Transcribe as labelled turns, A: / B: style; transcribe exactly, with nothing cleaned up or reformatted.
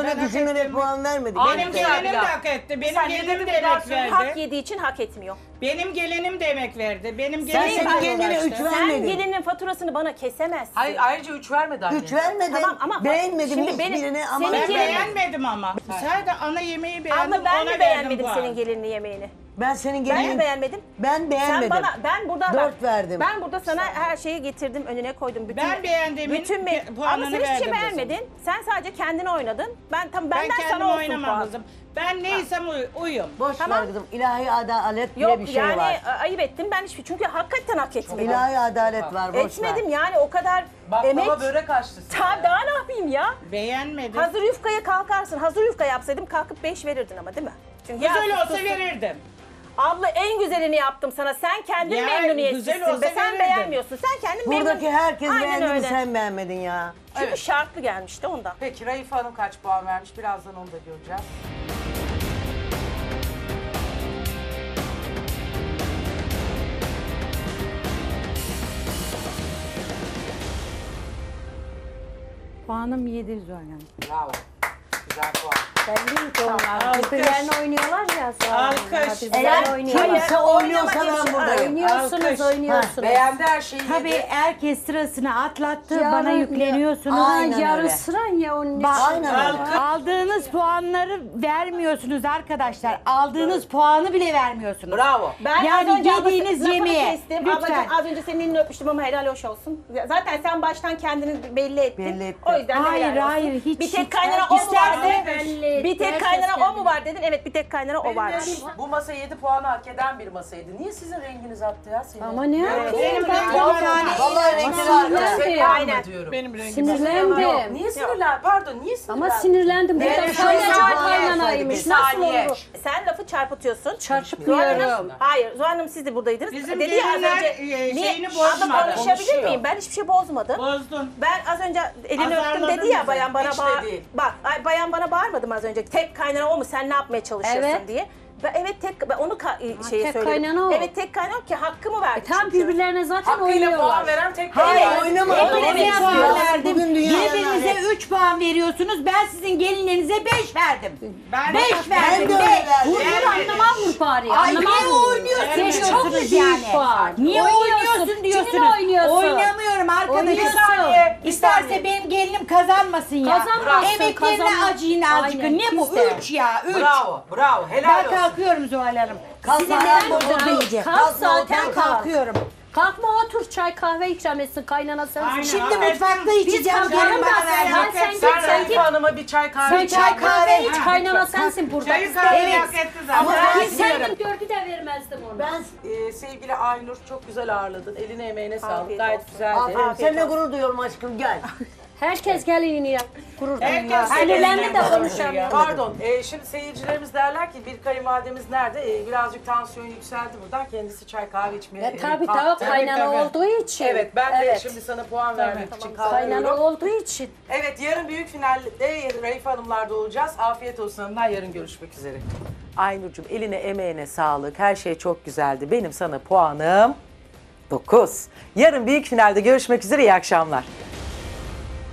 A: öyle
B: Ben
A: düşünerek
B: hak ettim.
A: puan vermedi.
B: Benim
A: Benim
B: gelinim
C: bir
B: de
C: dakika.
B: hak etti. Benim
C: Sen
B: gelinim
C: yedin
B: de
C: mi?
B: emek
C: Biraz
D: Hak
B: verdi.
D: yediği için hak etmiyor.
B: Benim gelinim de emek verdi. Benim
A: Sen
B: gelinim
A: senin
B: de
A: gelinine
B: uğraştı.
A: üç
D: Sen
A: vermedin.
D: gelinin faturasını bana kesemezsin.
C: Hayır, ayrıca üç vermedi anne.
A: Üç vermedin.
D: Tamam ama
A: beğenmedim
D: şimdi benim-
A: hiçbirini ama
D: senin
B: Ben
D: gelinin-
B: beğenmedim ama. Sadece ana yemeği beğendim.
D: Abla ben
B: ona
D: de
B: verdim
D: beğenmedim
B: puan.
D: senin gelinini yemeğini.
A: ben senin
D: Ben
A: gelinin...
D: de beğenmedim.
A: Ben beğenmedim.
D: Sen bana ben burada bak,
A: Dört verdim.
D: Ben burada sana her şeyi getirdim, önüne koydum. Bütün,
B: Ben beğendiğimin
D: bütün
B: pi-
D: Ama
B: puanını
D: sen hiçbir şey
B: verdim kızım.
D: beğenmedin. Sen sadece kendini oynadın. Ben tam
B: Ben
D: benden
B: kendim
D: sana olsun
B: oynamam
D: puan.
B: kızım. Ben neysem uy- uyum.
A: Boş
D: Tamam.
A: ver kızım. İlahi adalet diye
D: Yok
A: bir şey
D: yani
A: var.
D: e, ayıp ettim ben hiçbir çünkü hakikaten hak etmedim.
A: İlahi adalet var. Boş
D: Etmedim
A: ver.
D: yani o kadar
C: Baklava
D: emek.
C: börek açtı sana.
D: Ta, daha ne yapayım ya?
B: Beğenmedim.
D: Hazır yufkaya kalkarsın. Hazır yufka yapsaydım kalkıp beş verirdin ama değil mi? Çünkü
B: Güzel
D: ya,
B: olsa
D: sus, sus.
B: verirdim.
D: Abla en güzelini yaptım sana. Sen kendin
B: Ya,
D: memnuniyetsizsin
B: güzel olsa
D: be. Sen
B: verirdim.
D: beğenmiyorsun. Sen kendin memnun.
A: Buradaki herkes
D: Aynen
A: beğendi mi
D: öyle.
A: sen beğenmedin ya.
D: Çünkü
C: Evet.
D: şartlı gelmişti ondan.
C: Peki Raife Hanım kaç puan vermiş? Birazdan onu da göreceğiz.
E: Puanım yedi Zuhal Hanım.
C: Bravo. Güzel puan.
E: Belli ki onlar.
B: Alkış.
E: Birbirlerine oynuyorlar ya. Zuhal Hanım.
B: Alkış.
E: Birbirlerine
D: Sen-
E: oynuyorlar.
A: Kimse oynuyorsa
D: oynamak
A: ben
D: için-
A: buradayım.
E: Oynuyorsunuz,
B: Alkış.
E: oynuyorsunuz.
C: Beğendi her şeyi
F: Tabii
C: yedi.
F: herkes sırasını atlattı,
E: Yarın-
F: bana yükleniyorsunuz.
E: Aa,
A: Aynen
E: yarı
A: öyle.
E: sıran ya onun
F: Bak,
E: için.
A: Aynen öyle.
F: aldığınız puanları vermiyorsunuz arkadaşlar. Aldığınız puanı bile vermiyorsunuz.
C: Bravo.
D: Ben
F: Yani
D: az önce
F: yediğiniz
D: lafını
F: yemeğe,
D: kestim.
F: lütfen.
D: Ablacığım az önce senin elini öpmüştüm ama helal hoş olsun. Zaten sen baştan kendini belli ettin.
A: Belli ettim.
D: O yüzden de
F: Hayır,
D: helal olsun.
F: hayır, hiç-
D: Bir tek
F: hiç-
D: kaynana o mu var
F: İsterse-
D: dedin? Bir tek
E: Herkes
D: kaynana o
E: kendini-
D: mu var dedin? Evet bir tek kaynana o varmış.
C: Bu masa yedi puanı hak eden bir masaydı. Niye sizin renginiz attı ya senin?
E: Ama ne yapayım?
B: Benim
E: Ben
B: rengim
E: de-
B: var.
A: Vallahi renkleri arkadaş.
E: Sinirlendim.
D: Aynen.
C: diyorum.
B: Benim rengim.
E: Sinirlendim.
C: Niye sinirlen? Pardon, niye sinirlen?
E: Ama sinirlendim. Bu
A: Evet,
E: da
A: şöyle
E: kaynana
A: bir
E: kaynanaymış.
C: Bir
E: Nasıl
C: saniye.
E: olur?
D: Sen lafı çarpıtıyorsun.
E: Çarpıtıyorum.
D: Hayır Zuhal Hanım siz de buradaydınız.
B: Bizim
D: Dedi ya az
B: gelinler,
D: önce.
B: e,
D: Niye?
B: şeyini
D: Abla
B: bozmadı.
D: konuşabilir
C: Konuşuyor.
D: miyim? Ben hiçbir şey bozmadım.
B: Bozdun.
D: Ben az önce elini
B: Azarladın
D: öptüm dedi ya
B: bizi.
D: bayan bana
C: Hiç de
D: bağır.
C: değil.
D: Bak ay, bayan bana bağırmadım az önce. Tek kaynana o mu? Sen ne yapmaya çalışıyorsun
E: Evet.
D: diye. Ben evet tek ben onu ka- şeye
E: tek
D: söyledim.
E: kaynana o.
D: Evet tek kaynana o ki hakkımı verdi.
E: E, tam
D: çünkü.
E: birbirlerine zaten
C: Hakkıyla puan
E: oynuyorlar.
C: veren tek
A: Hayır
C: benim.
A: oynamadım.
D: Hep
A: Onu
D: birbirine
A: yapıyorlar.
F: puan verdim.
A: Bugün dünya
F: Birbirinize
A: yani.
F: üç puan veriyorsunuz. Ben sizin gelinlerinize beş verdim.
B: Ben
F: Beş
A: Ben
F: verdim.
A: de öyle
F: Beş.
A: verdim.
E: Vurdur anlamam vur bari.
F: Ay
E: Anlamam
F: niye
E: vur.
F: oynuyorsun
E: Sen çok
F: diyorsunuz
E: büyük
F: yani.
E: puan.
F: Niye oynuyorsun
E: Kiminle
F: diyorsunuz.
E: oynuyorsun?
F: Oynamıyorum arkadaşlar.
E: Oynuyorsun.
F: Saniye.
C: Bir
F: İsterse
C: saniye.
F: benim gelinim kazanmasın ya.
E: Kazanmasın,
F: Emeklerine
E: kazanmaz.
F: acıyın azıcık.
E: Aynen,
F: Ne bu?
E: kimse.
F: Üç ya. Üç.
C: Bravo, bravo. Helal
F: Ben
C: olsun.
F: kalkıyorum Zuhal Hanım.
A: Kalkma
F: Sizinle
A: ben
F: burada
A: burada
F: yiyeceğim.
E: Kalk
A: Kalkma,
E: zaten
A: otur,
E: kalk.
F: Kalkıyorum.
E: Kalkma otur çay kahve ikram etsin kaynana sensin.
B: Aynen.
F: Şimdi
B: Affedersin.
F: mutfakta içeceğim.
E: kalkalım
F: Gelin
E: da
F: bana
E: sen-
F: ver.
E: sen git,
C: Sen
E: sen
C: Raife
E: git.
C: Hanım'a bir çay kahve
E: Sen
C: iç.
E: çay kahve iç
B: Ha,
E: kaynana
B: lütfen.
E: sensin burada.
B: Çayı kahveyi
F: Evet.
B: hak etti
E: Ama
B: zaten.
E: ben sen gördü de vermezdim onu.
A: Ben
C: Ee, sevgili Aynur çok güzel ağırladın. Eline emeğine sağlık.
D: Afiyet
C: Gayet
D: olsun.
C: güzeldi.
A: aferin. Seninle gurur duyuyorum aşkım gel.
E: Herkes gelinini yap. Gurur
B: Herkes
E: duyuyor. Sinirlendi de
B: seninle
E: konuşamıyor.
C: Pardon, e, şimdi seyircilerimiz derler ki bir kayınvalidemiz nerede? E, birazcık tansiyon yükseldi buradan. Kendisi çay kahve içmeye
E: E,
C: e,
E: tabii
C: kalktı.
E: tabii kaynana
B: tabii.
E: olduğu için.
C: Evet, ben de
E: Evet.
C: şimdi sana puan vermek için
E: Kaynana
C: kalkıyorum.
E: olduğu için.
C: Evet, yarın büyük finalde Raife Hanımlar'da olacağız. Afiyet olsun hanımlar, yarın görüşmek üzere. Aynur'cum eline emeğine sağlık. Her şey çok güzeldi. Benim sana puanım dokuz. Yarın büyük finalde görüşmek üzere. İyi akşamlar.